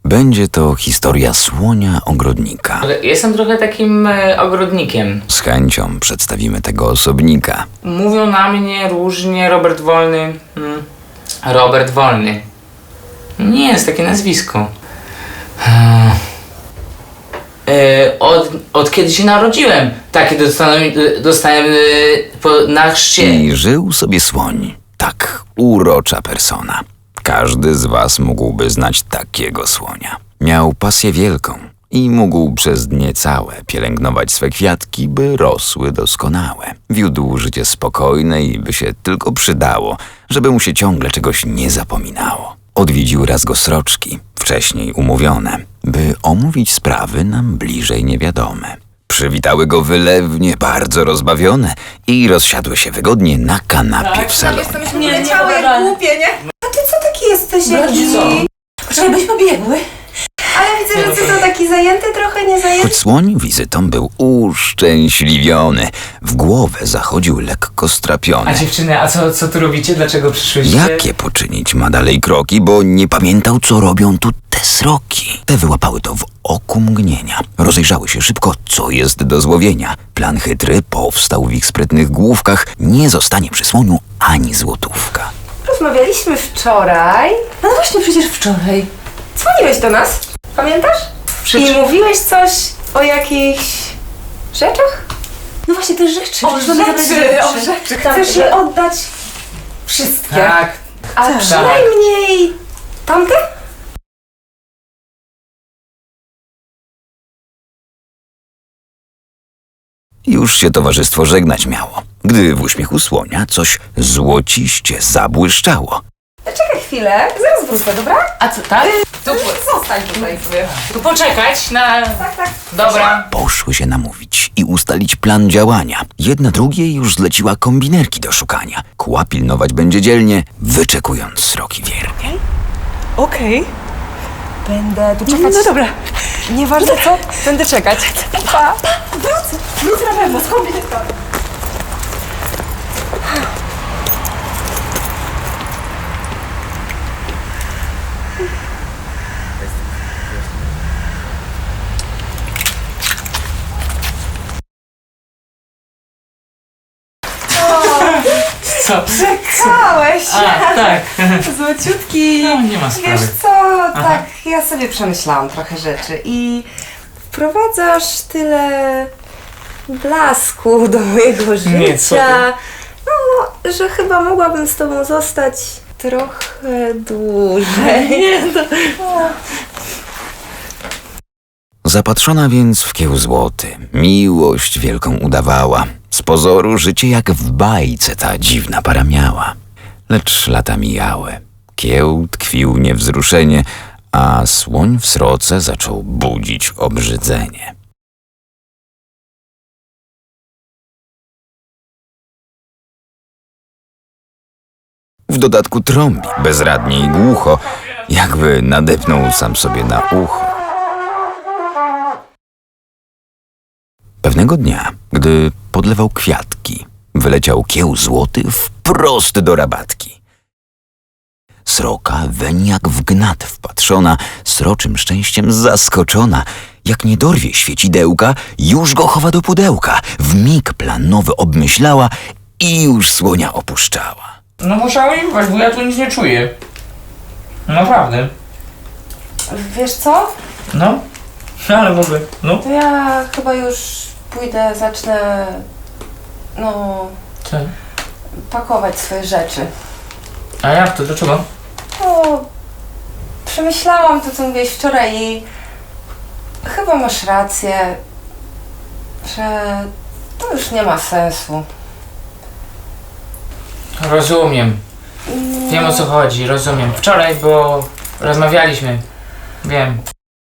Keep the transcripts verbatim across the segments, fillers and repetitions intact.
Będzie to historia słonia ogrodnika. Jestem trochę takim e, ogrodnikiem. Z chęcią przedstawimy tego osobnika. Mówią na mnie różnie Robert Wolny. Hmm. Robert Wolny. Nie jest takie nazwisko. Hmm. E, od, od kiedy się narodziłem, takie dostałem, dostałem e, po, na chrzcie. I żył sobie słoń. Tak urocza persona. Każdy z was mógłby znać takiego słonia. Miał pasję wielką i mógł przez dnie całe pielęgnować swe kwiatki, by rosły doskonałe. Wiódł życie spokojne i by się tylko przydało, żeby mu się ciągle czegoś nie zapominało. Odwiedził raz go sroczki, wcześniej umówione, by omówić sprawy nam bliżej niewiadome. Przywitały go wylewnie, bardzo rozbawione i rozsiadły się wygodnie na kanapie w salonie. Nie, leciały jak głupie, nie? A ty co taki jesteś jakiś? Poczekaj, byśmy biegły. Ale widzę, że ty to taki zajęty trochę, nie zajęty? Choć słoń wizytą był uszczęśliwiony, w głowę zachodził lekko strapiony. A dziewczyny, a co, co tu robicie? Dlaczego przyszłyście? Jakie poczynić ma dalej kroki, bo nie pamiętał, co robią tu te sroki. Te wyłapały to w oku mgnienia. Rozejrzały się szybko, co jest do złowienia. Plan chytry powstał w ich sprytnych główkach. Nie zostanie przy słoniu ani złotówka. Rozmawialiśmy wczoraj. No właśnie, przecież wczoraj. Dzwoniłeś do nas, pamiętasz? Przecież- I mówiłeś coś o jakichś rzeczach? No właśnie, te rzeczy. O Przecież mamy rzeczy, zabrać o rzeczy. Chcesz je oddać wszystkie. Tak. A Tak. przynajmniej tamte? Już się towarzystwo żegnać miało, gdy w uśmiechu słonia coś złociście zabłyszczało. Czekaj chwilę, zaraz wrócę, dobra? A co, tak? To zostań tutaj sobie. Tu poczekać na... Tak, tak. Dobra. Poszły się namówić i ustalić plan działania. Jedna drugiej już zleciła kombinerki do szukania. Kła pilnować będzie dzielnie, wyczekując sroki wiernie. Okej. Będę tu czekać. No dobra. Nieważne co, będę czekać. Pa. Wrócę. Wrócę na pewno, skombinuję to. Co? Czekałeś. A, tak. Złociutki. No, nie ma sprawy. Wiesz co, tak, ja sobie przemyślałam trochę rzeczy i wprowadzasz tyle blasku do mojego życia, Nie, co ty? no, że chyba mogłabym z tobą zostać trochę dłużej. Nie, to... Zapatrzona więc w kieł złoty, miłość wielką udawała. Z pozoru życie jak w bajce ta dziwna para miała. Lecz lata mijały. Kieł tkwił niewzruszenie, a słoń w sroce zaczął budzić obrzydzenie. W dodatku trąbi bezradnie i głucho, jakby nadepnął sam sobie na ucho. Pewnego dnia, gdy podlewał kwiatki, wyleciał kieł złoty wprost do rabatki. Sroka weń jak w gnat wpatrzona, sroczym szczęściem zaskoczona. Jak nie dorwie świecidełka, już go chowa do pudełka. Wmig plan nowy obmyślała i już słonia opuszczała. No musiałem jechać, bo ja tu nic nie czuję. Naprawdę. Wiesz co? No. Ale w ogóle, no. To ja chyba już pójdę, zacznę, no, Co? pakować swoje rzeczy. A jak to? Dlaczego? No, przemyślałam to, co mówiłeś wczoraj i chyba masz rację, że to już nie ma sensu. Rozumiem. Wiem, o co chodzi, rozumiem. Wczoraj, bo rozmawialiśmy. Wiem.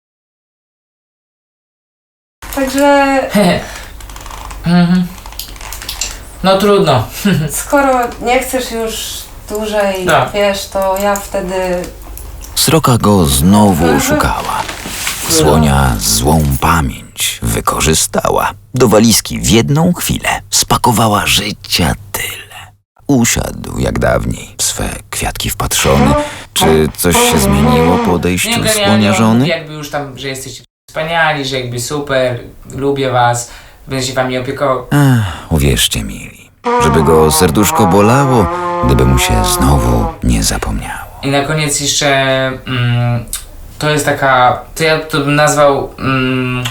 Także Mhm. No trudno. skoro nie chcesz już dłużej, Tak. wiesz, to ja wtedy... Sroka go znowu szukała. Słonia złą pamięć wykorzystała. Do walizki w jedną chwilę spakowała życia tyle. usiadł jak dawniej, w swe kwiatki wpatrzony. Czy coś się zmieniło po odejściu genialnie, słonia on żony? mówi jakby już tam, że jesteście wspaniali, że jakby super, lubię was, będę się wami opiekował. Ach, uwierzcie mili, żeby go serduszko bolało, gdyby mu się znowu nie zapomniało. I na koniec jeszcze mm, to jest taka, to ja to bym nazwał mm,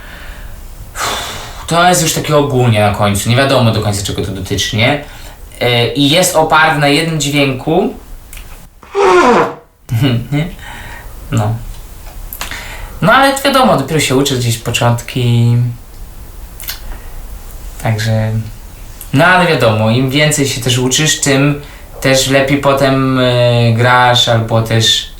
to jest już takie ogólnie na końcu, nie wiadomo do końca czego to dotyczy, nie? Yy, I jest oparty na jednym dźwięku. Nie? No. No ale wiadomo, dopiero się uczy gdzieś początki. Także. No ale wiadomo, im więcej się też uczysz, tym też lepiej potem yy, grasz, albo też